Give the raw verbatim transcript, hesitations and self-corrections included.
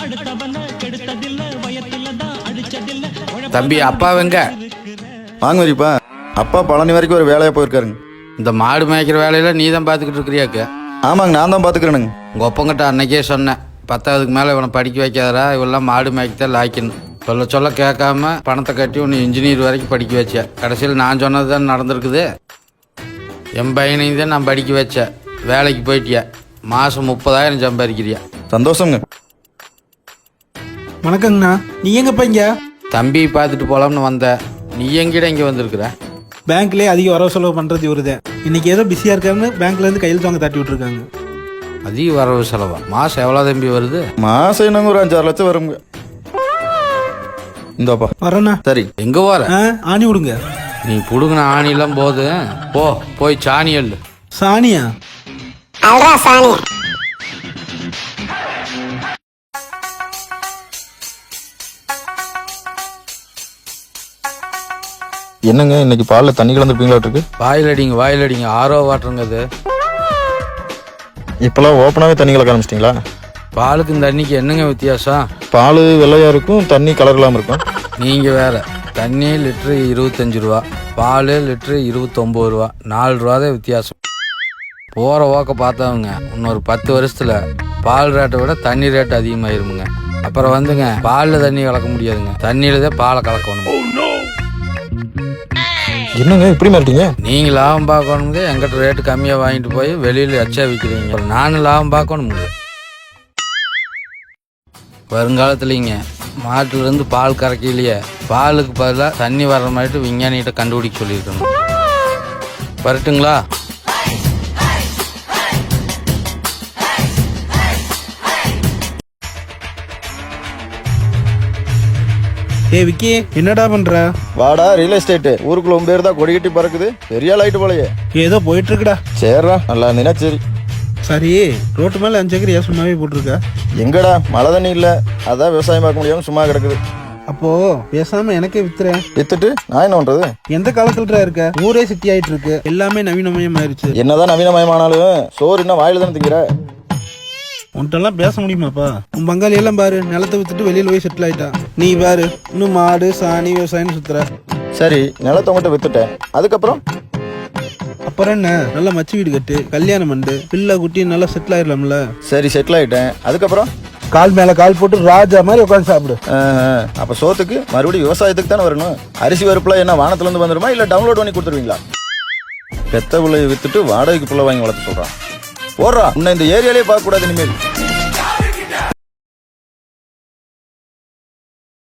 தம்பி அப்பா வெங்க வாங்க வரிப்பா. அப்பா பழனி வரைக்கும் ஒரு வேலையாக போயிருக்காருங்க. இந்த மாடு மேய்க்கிற வேலையில நீ தான் பார்த்துக்கிட்டு இருக்கிறியாக்கு? ஆமாங்க, நான் தான் பார்த்துக்கிறேனுங்க. உங்கள் ஒப்பங்கிட்ட அன்னைக்கே சொன்னேன், பத்தாவதுக்கு மேலே இவனை படிக்க வைக்காதரா, இவெல்லாம் மாடு மேய்க்கத்தான் லாய்க்கணும். சொல்ல சொல்ல கேட்காம பணத்தை கட்டி உன்னை இன்ஜினியர் வரைக்கும் படிக்க வச்சேன். கடைசியில் நான் சொன்னது தான் நடந்திருக்குது. என் பையனையும் தான் நான் படிக்க வச்சேன். வேலைக்கு போயிட்டியா, மாதம் முப்பதாயிரம் சம்பாதிக்கிறியா? சந்தோஷங்க. வணக்கங்கண்ணா, நீ எங்கப்பா இங்க? தம்பி பார்த்துட்டு போகலாம்னு வந்தேன். நீ எங்கிட்ட இங்கே வந்திருக்கிற? பேங்க்லேயே அதிக வரவு செலவு பண்ணுறது இவருதான். இன்னைக்கு ஏதோ பிஸியாக இருக்காருன்னு பேங்க்லேருந்து கையெழுத்து வாங்க தட்டி விட்டுருக்காங்க. அதிக வரவு செலவா? மாதம் எவ்வளோ தம்பி வருது? மாதம் என்னங்க ஒரு அஞ்சாறு லட்சம் வருங்க. இந்தாப்பா வரேண்ணா. சரி, எங்கே வர? ஆ ஆணி விடுங்க. நீ புடுங்கின ஆணிலாம் போது போ, போய் சாணி எள்ளு. சாணியா? என்னங்க இன்னைக்கு பாலில் தண்ணி கலந்துருப்பீங்களாட்டிருக்கு? வாயில் அடிங்க, வாயில் அடிங்க. ஆரோ வாட்டருங்க அது. இப்போலாம் ஓப்பனாகவே தண்ணி கலக்க ஆரம்பிச்சிட்டிங்களா? பாலுக்கு இந்த தண்ணிக்கு என்னங்க வித்தியாசம்? பால் வெள்ளையாக இருக்கும், தண்ணி கலர் இல்லாமல் இருக்கும். நீங்கள் வேற. தண்ணி லிட்ரு இருபத்தஞ்சி ரூபா, பால் லிட்ரு இருபத்தொம்பது ரூபா, நாலு ரூபா தான் வித்தியாசம். போகிற ஓக்க பார்த்தவங்க இன்னொரு பத்து வருஷத்தில் பால் ரேட்டை விட தண்ணி ரேட்டு அதிகமாயிருமுங்க. அப்புறம் வந்துங்க பாலில் தண்ணி கலக்க முடியாதுங்க, தண்ணியில தான் பாலை கலக்கணும். என்னங்க இப்படி மாட்டீங்க? நீங்கள் லாபம் பார்க்கணுங்க, எங்கிட்ட ரேட்டு கம்மியாக வாங்கிட்டு போய் வெளியில் எச்சா விற்கிறீங்க. நானும் லாபம் பார்க்கணுமுங்க. வருங்காலத்துலிங்க மாட்டுலேருந்து பால் கறக்கையிலேயே பாலுக்கு பதிலாக தண்ணி வர்ற மாதிரி விஞ்ஞானிகிட்ட கண்டுபிடிக்க சொல்லியிருக்கணும். வரட்டுங்களா? ஏ விக்கி, என்னடா பண்ற? வாடா, ரியல் எஸ்டேட்டு ஊருக்குள்ள உன் பேர் தான் கொடிக்கட்டி பறக்குது. பெரிய லைட்டு போலையே. ஏதோ போயிட்டு இருக்குடா. சரிடா, நல்லா இருந்தீங்கன்னா சரி. சரி, ரோட்டு மேலே அஞ்சு ஏக்கர் ஏன் சும்மாவே போட்டிருக்க? எங்கடா மழை தண்ணி இல்லை, அதான் விவசாயம் பார்க்க முடியாமல் சும்மா கிடக்குது. அப்போ பேசாம எனக்கே வித்துறேன். வித்துட்டு நான் என்ன பண்றது? எந்த காலத்துல இருக்க? ஊரே சிட்டி ஆயிட்டு இருக்கு, எல்லாமே நவீனமயம் ஆயிருச்சு. என்னதான் நவீனமயமானாலும் சோறு என்ன வாயில தானே திங்கிற? உன்ட்டெல்லாம் பேச முடியுமாப்பா? உன் பங்காளி எல்லாம் பாரு, நிலத்தை வித்துட்டு வெளியில போய் செட்டில் ஆயிட்டான். நீ பாரு, இன்னும் மாடு சாணி விவசாயம் சுத்துற. சரி, நிலத்தை உங்கள்கிட்ட வித்துட்டேன், அதுக்கப்புறம் அப்புறம் என்ன? நல்லா மச்சி வீடு கட்டு, கல்யாணம் பண்ணு, பிள்ளை குட்டி நல்லா செட்டில் ஆயிடலாம்ல. சரி, செட்டில் ஆயிட்டேன். அதுக்கப்புறம் கால் மேல கால் போட்டு ராஜா மாதிரி உட்காந்து சாப்பிடு. அப்ப சோத்துக்கு மறுபடியும் விவசாயத்துக்கு தானே வரணும். அரிசி வறுப்புல என்ன வானத்துல இருந்து வந்துருமா, இல்ல டவுன்லோட் பண்ணி கொடுத்துருவீங்களா? பெத்த பிள்ளைய வித்துட்டு வாடகைக்கு பிள்ளை வாங்கி வளர்த்து சொல்றான். போடுறா, உன்னை இந்த ஏரியாலே பார்க்க கூடாது இனிமேல்.